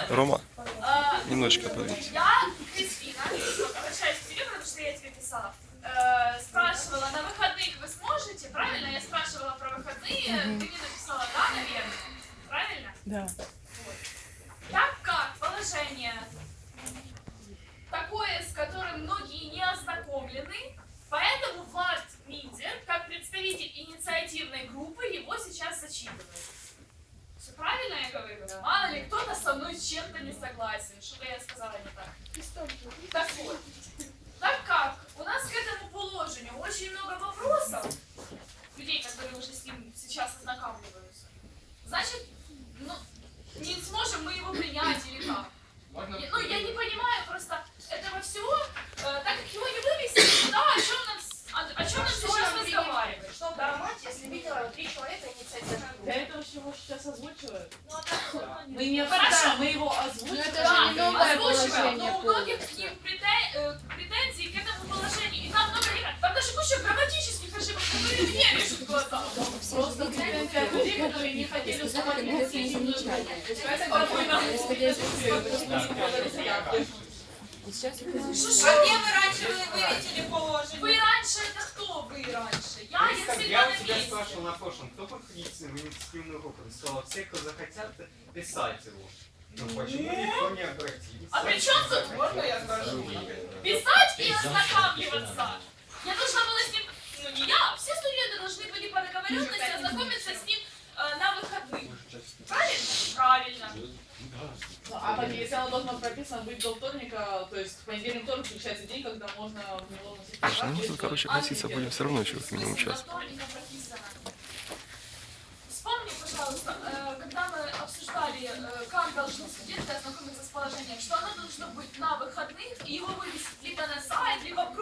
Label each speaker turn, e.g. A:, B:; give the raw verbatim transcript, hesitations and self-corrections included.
A: Рома,
B: А,
A: немножечко подвинься.
B: Я, Кристина, обращаюсь к тебе, потому что я тебе писала, э, спрашивала, на выходных вы сможете, правильно? Я спрашивала про выходные, ты мне написала, да, наверное? Правильно?
C: Да.
B: Вот. Так как положение такое, с которым многие не ознакомлены, поэтому Влад Миндер, как представитель инициативной группы, его сейчас зачитывает. Все правильно я говорю? Мало ли, кто-то со мной с чем-то не согласен. Что-то я сказала не так. Так вот, так как у нас к этому положению очень много вопросов, людей, которые уже с ним сейчас ознакомливаются, значит, ну, не сможем мы его принять или как? Я- ну, я не понимаю просто этого всего, э, так как его не вывести, да, о чем нам, с- о, о чем нам сейчас разговаривать?
D: Что принимать, если видела три человека инициативной
C: Для
D: группы?
C: этого всего сейчас озвучивают.
B: Ну, а так всё равно не
C: Мы не
B: Хорошо.
C: обсуждаем, мы его озвучиваем.
E: это
B: Да,
E: же не новое
B: озвучиваем,
E: положение
B: но у многих к ним претен- э, претензии к этому положению. И там много не- там даже куча грамматических ошибок, которые мне режут глаза.
C: Просто претензия от людей, которые не хотели уступать инициативную группу. Поэтому
E: Сейчас
D: А где вы раньше вы вывесили положение?
B: Вы раньше, это кто вы раньше? Я, я всегда
F: Я
B: на
F: у тебя
B: месте.
F: спрашивал на прошлом, кто подходит в инициативную группу? Ты сказала, все, кто захотят писать его. Ну почему никто не обратился?
B: А при чем тут?
D: Можно я скажу?
B: Писать и ознакомливаться. Я должна была с ним, ну не я, все студенты должны были по договоренности ознакомиться с ним э, на выходных. Правильно? Правильно.
C: А так, если оно должно прописано быть до вторника, то есть в понедельник, вторник включается день, когда можно в него вносить
A: Слушай, ну мы
C: поправки,
A: тут,
C: что-
A: короче, относиться будем все равно еще как минимум час.
B: Вспомни, пожалуйста, э, когда мы обсуждали, э, как должны студенты ознакомиться с положением, что оно должно быть на выходных, и его вывесить либо на сайт, либо в